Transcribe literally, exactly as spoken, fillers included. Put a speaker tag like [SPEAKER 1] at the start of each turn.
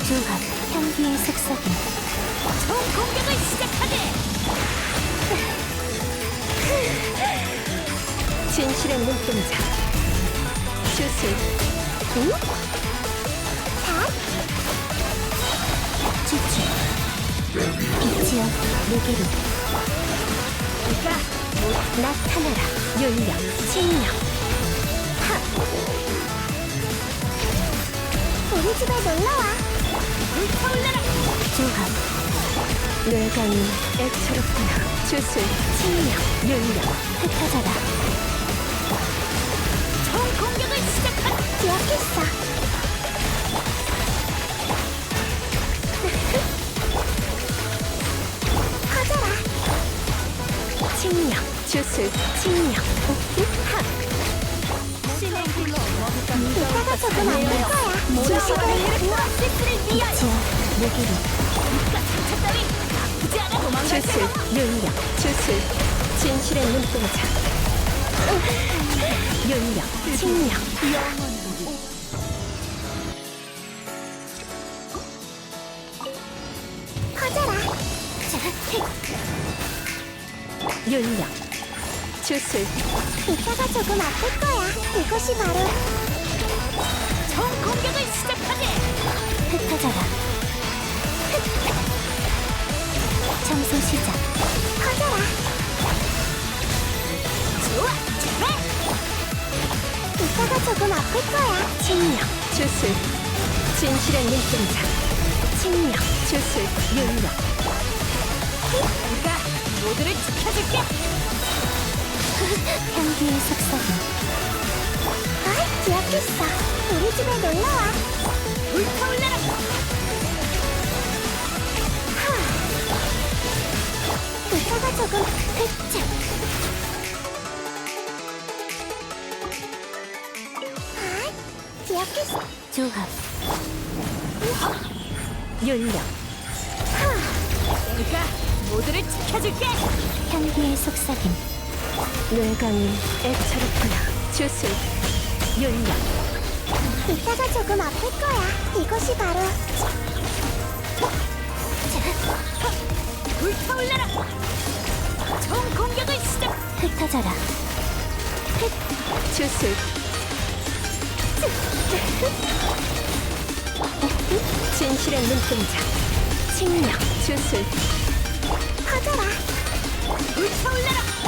[SPEAKER 1] 조합, 향기의 속삭임.
[SPEAKER 2] 총 공격을 시작하게!
[SPEAKER 1] 진실의 눈동자. 주술. 응? 다? 주주. 빛이여, 내게로.
[SPEAKER 2] 그가
[SPEAKER 1] 나타나라. 윤력, 칭력. 하! 우리 집에 놀러와.
[SPEAKER 2] 불타올라라!
[SPEAKER 1] 조합. 뇌강이 애처롭구나. 주술, 칭력, 윤력. 흩어져라.
[SPEAKER 2] 총 공격을 시작하게!
[SPEAKER 1] 기억했어. 커져라. 칭력, 주술, 칭력. 하!
[SPEAKER 2] 신의 길로
[SPEAKER 1] 이따가 조금 안 될 거야. 주술을
[SPEAKER 2] 오아시스를 위하여!
[SPEAKER 1] 빛이여, 내게로.
[SPEAKER 2] 이깟 상처 따위 아프지 않아 도망갈
[SPEAKER 1] 주술,
[SPEAKER 2] 생각!
[SPEAKER 1] 윤력, 주술. 진실의 눈동자. 윤력, 칭력. 커져라. 윤력, 주술. 이따가 조금 아플 거야. 이것이 바로
[SPEAKER 2] 총 공격을 시작하게!
[SPEAKER 1] 흩어져라. 청소 시작. 커져라.
[SPEAKER 2] 좋아! 좋아!
[SPEAKER 1] 이따가 조금 아플 거야. 칭력, 주술. 진실의 눈동자. 칭력, 주술, 윤력.
[SPEAKER 2] 그가 모두를 지켜줄게!
[SPEAKER 1] 향기의 속삭임. 아이, 기억했어. 우리 집에 놀러와.
[SPEAKER 2] 불타올라라!
[SPEAKER 1] 하. 이따가 조금 흑자. 아이, 기억했어. 조합. 윤력. 하.
[SPEAKER 2] 그가 모두를 지켜줄게!
[SPEAKER 1] 향기의 속삭임. 뇌강이 애처롭구나. 주술, 윤력. 이따가 조금 아플 거야. 이것이 바로
[SPEAKER 2] 불타올라라! 총 공격을 시작!
[SPEAKER 1] 흩어져라. 흩. 주술. 진실의 눈동자. 칭력, 주술. 퍼져라.
[SPEAKER 2] 불타올라라!